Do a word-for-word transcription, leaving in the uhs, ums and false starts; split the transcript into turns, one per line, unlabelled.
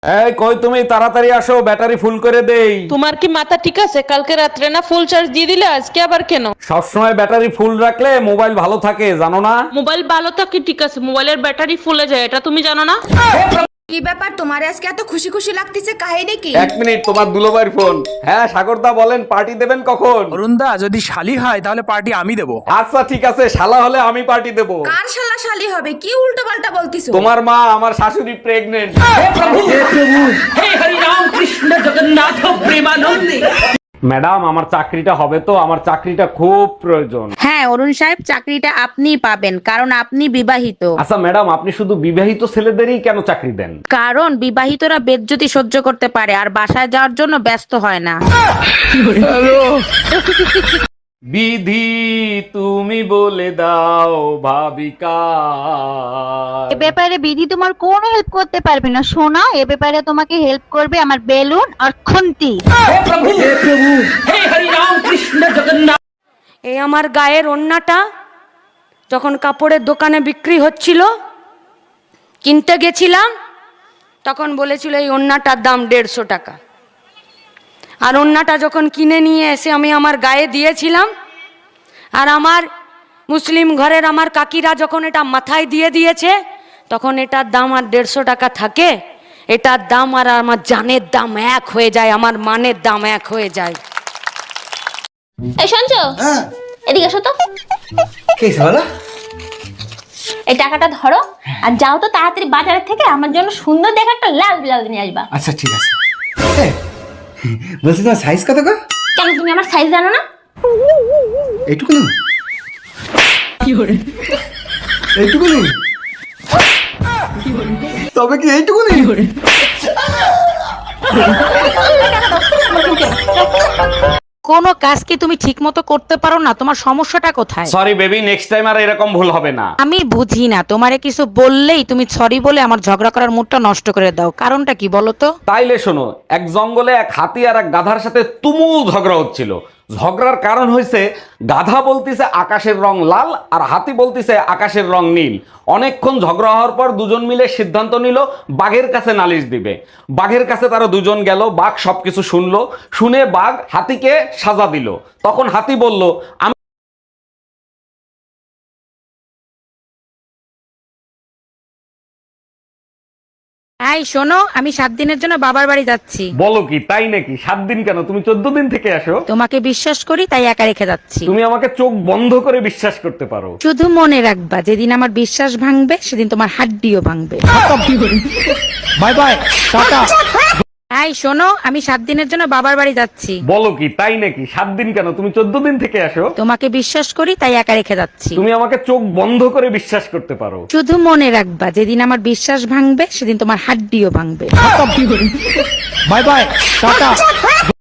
এই কই তুমি, তাড়াতাড়ি আসো, ব্যাটারি ফুল করে দেই।
তোমার কি মাথা ঠিক আছে? কালকে রাত্রে না ফুল চার্জ দিয়ে দিলে, আজকে আবার কেন?
সবসময় ব্যাটারি ফুল রাখলে মোবাইল ভালো থাকে, জানো না?
মোবাইল ভালো থাকে ঠিক আছে, মোবাইলের ব্যাটারি ফুলে যায়, এটা তুমি জানো না?
কি ব্যাপার তোমার আজকে এত খুশি খুশি লাগতেছে, কাহিনী কি?
এক মিনিট, তোমার দুলোবাইর ফোন। হ্যাঁ সাগরদা বলেন, পার্টি দেবেন কখন?
অরুণদা যদি শালি হয় তাহলে পার্টি আমি দেবো।
আচ্ছা ঠিক আছে, শালা হলে আমি পার্টি দেব।
কার শালা শালি হবে? কি উল্টো পাল্টা বলতিছো?
তোমার মা, আমার শাশুড়ি প্রেগনেন্ট। ম্যাডাম, আমার চাকরিটা হবে তো? আমার চাকরিটা খুব প্রয়োজন।
হ্যাঁ অরুণ সাহেব, চাকরিটা আপনিই পাবেন, কারণ আপনি বিবাহিত।
আচ্ছা ম্যাডাম, আপনি শুধু বিবাহিত ছেলেদেরই কেন চাকরি দেন?
কারণ বিবাহিতরা বেজ্জতি সহ্য করতে পারে আর বাসায় যাওয়ার জন্য ব্যস্ত হয় না।
বিধি তুমি বলে দাও ভাবিকা।
এ ব্যাপারে বিধি তোমার কোনো হেল্প করতে পারবে না সোনা, এ ব্যাপারে তোমাকে হেল্প করবে আমার বেলুন আর খুন্তি।
এই আমার গায়ের ওড়নাটা যখন কাপড়ের দোকানে বিক্রি হচ্ছিল, কিনতে গেছিলাম, তখন বলেছিল এই ওড়নাটার দাম দেড়শো টাকা। আর ওড়নাটা যখন কিনে নিয়ে এসে আমি আমার গায়ে দিয়েছিলাম, আর আমার মুসলিম ঘরের আমার কাকিরা যখন এটা মাথায় দিয়ে দিয়েছে, তখন এটার দাম আর দেড়শো টাকা থাকে, এটার দাম আর আমার জানের দাম এক হয়ে যায়, আমার মানের দাম এক হয়ে যায়।
এই শুনছো? এদিকে এসো তো।
কি বলো?
এই টাকাটা ধরো আর যাও তো তাড়াতাড়ি বাজারের থেকে আমার জন্য সুন্দর দেখে একটা লাল ব্লাউজ নিয়ে আসবা।
আচ্ছা ঠিক আছে। বলছি তোমার সাইজ কত গো?
কেন তুমি আমার সাইজ জানো না?
এইটুকুনি? এইটুকুনি? তবে কি এইটুকুনি?
কোনো কাজ কি তুমি ঠিক মতো করতে পারো না? তোমার সমস্যাটা কোথায়?
সরি বেবি, নেক্সট টাইম আর এরকম ভুল হবে না।
আমি বুঝি না, তোমারে কিছু বললেই তুমি সরি বলে আমার ঝগড়া করার মুডটা নষ্ট করে দাও। কারণটা কি বলো তো?
তাইলে শোনো, এক জঙ্গলে এক হাতি আর এক গাধার সাথে তুমুল ঝগড়া হচ্ছিল। ঝগড়ার কারণ হয়েছে গাধা বলতিছে আকাশের রং লাল আর হাতি বলতিছে আকাশের রং নীল। অনেকক্ষণ ঝগড়া হওয়ার পর দুজন মিলে সিদ্ধান্ত নিল বাঘের কাছে নালিশ দিবে। বাঘের কাছে তারা দুজন গেল, বাঘ সবকিছু শুনলো, শুনে বাঘ হাতিকে সাজা দিল। তখন হাতি বলল, আমি
এই শোনো, আমি সাত দিনের জন্য বাবার বাড়ি যাচ্ছি।
বলো কি, তাই নাকি? সাত দিন কেন, তুমি চোদ্দ দিন থেকে আসো।
তোমাকে বিশ্বাস করি তাই একা রেখে যাচ্ছি।
তুমি আমাকে চোখ বন্ধ করে বিশ্বাস করতে পারো।
শুধু মনে রাখবা, যেদিন আমার বিশ্বাস ভাঙবে সেদিন তোমার হাড্ডিও ভাঙবে।
Bye bye, tata.
এই শোনো, আমি সাত দিনের জন্য বাবার বাড়ি যাচ্ছি।
বলো কি, তাই নাকি? সাত দিন কেন, তুমি চোদ্দ দিন থেকে আসো।
তোমাকে বিশ্বাস করি তাই একা রেখে যাচ্ছি।
তুমি আমাকে চোখ বন্ধ করে বিশ্বাস করতে পারো।
শুধু মনে রাখবা, যেদিন আমার বিশ্বাস ভাঙবে সেদিন তোমার হাড্ডিও ভাঙবে।
Bye bye, tata.